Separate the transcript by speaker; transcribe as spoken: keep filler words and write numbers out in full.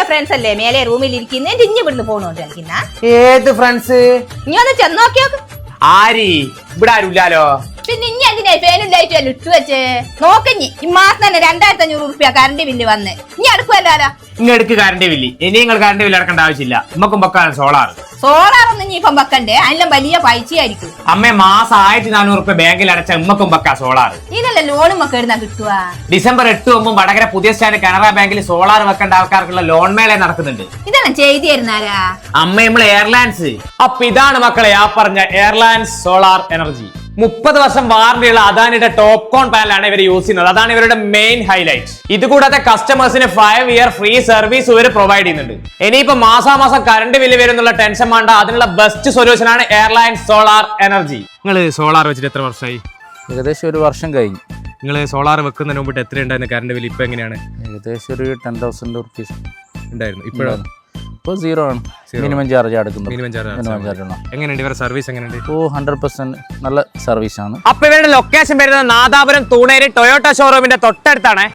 Speaker 1: Friends അല്ലേ മേലെ റൂമിൽ ഇരിക്കുന്ന ഇഞ്ഞ് ഇവിടുന്ന് പോണോണ്ട് കളിക്കുന്ന
Speaker 2: ഏത് ഫ്രണ്ട്സ്?
Speaker 1: നീ ഒന്ന് ചെന്ന് നോക്കിയോക്ക്.
Speaker 2: ആരി ഇവിടെ ആരുമില്ലാലോ.
Speaker 1: പിന്നെ ഇനി എന്തിനാ ഫാനും ലൈറ്റും എല്ലാം ഇട്ടു വെച്ച് നോക്കഞ്ഞി ഈ മാസം തന്നെ രണ്ടായിരത്തി അഞ്ഞൂറ് റുപ്യ കറണ്ട് ബില്ല് വന്ന് ഇനി അടുക്കുമല്ലോ.
Speaker 2: ഇങ്ങടുക്ക് കറണ്ട് ബില്ല് ഇനി നിങ്ങൾ കറണ്ട് ബില്ല് അടക്കേണ്ട ആവശ്യമില്ല. നമുക്കും വെക്കാണ് സോളാർ.
Speaker 1: സോളാർ ഒന്നും ഇനി ഇപ്പം വെക്കണ്ടേ, അതിലും വലിയ പൈസയായിരിക്കും.
Speaker 2: അമ്മ മാസം ആയിരത്തി നാനൂറ് റുപ്യ ബാങ്കിൽ അടച്ച ഉമ്മക്കും വെക്കാം സോളാർ.
Speaker 1: ഇതിനല്ല ലോണും ഒക്കെ എഴുതാൻ കിട്ടുക.
Speaker 2: ഡിസംബർ എട്ട് ഒമ്പതും വടകര പുതിയ സ്റ്റാൻഡ് കാനറ ബാങ്കിൽ സോളാർ വെക്കേണ്ട ആൾക്കാർക്കുള്ള ലോൺ മേള നടക്കുന്നുണ്ട്.
Speaker 1: ഇതെല്ലാം ചെയ്തു തരുന്നാരാ?
Speaker 2: അമ്മ നമ്മളെ എയർലൈൻസ്. അപ്പൊ ഇതാണ് മക്കളെ ആ പറഞ്ഞ എയർലൈൻസ് സോളാർ എനർജി. മുപ്പത് വർഷം വാറന്റിയുള്ള അദാനിയുടെ ടോപ്പ് കോൺ പാനലാണ് ഇവർ യൂസ് ചെയ്യുന്നത്. അതാണ് ഇവരുടെ മെയിൻ ഹൈലൈറ്റ്. ഇതുകൂടാതെ കസ്റ്റമേഴ്സിന് ഫൈവ് ഇയർ ഫ്രീ സർവീസ് ഇവർ പ്രൊവൈഡ് ചെയ്യുന്നുണ്ട്. ഇനിയിപ്പോ മാസാമാസം കറണ്ട് ബില്ല് വരുന്നുള്ള ടെൻഷൻ വേണ്ട. അതിനുള്ള ബെസ്റ്റ് സൊല്യൂഷൻ ആണ് എയർലൈൻസ് സോളാർ എനർജി. നിങ്ങൾ സോളാർ വെച്ചിട്ട് എത്ര വർഷമായി?
Speaker 3: ഏകദേശം ഒരു വർഷം കഴിഞ്ഞു.
Speaker 2: നിങ്ങൾ സോളാർ വെക്കുന്നതിന് മുമ്പിട്ട് എത്ര ഉണ്ടായിരുന്നു കറണ്ട് ബില്ല്? ഇപ്പൊ എങ്ങനെയാണ്?
Speaker 3: ഏകദേശം ഒരു ടെൻ തൗസൻഡ് റുപ്പീസ്
Speaker 2: ഉണ്ടായിരുന്നു. ഇപ്പോഴാണ്
Speaker 3: ഇപ്പോൾ സീറോ ആണ്. മിനിമം ചാർജ് അടക്കുന്നത്.
Speaker 2: മിനിമം ചാർജ് എങ്ങനെയുണ്ട് ഇവരുടെ സർവീസ്? എങ്ങനെയുണ്ട്?
Speaker 3: ഓ ഹൺഡ്രഡ് പെർസെന്റ് നല്ല സർവീസ് ആണ്.
Speaker 2: അപ്പൊ ഇവരുടെ ലൊക്കേഷൻ വരുന്നത് നാദാപുരം തൂണേരി ടൊയോട്ട ഷോറൂമിന്റെ തൊട്ടടുത്താണ്.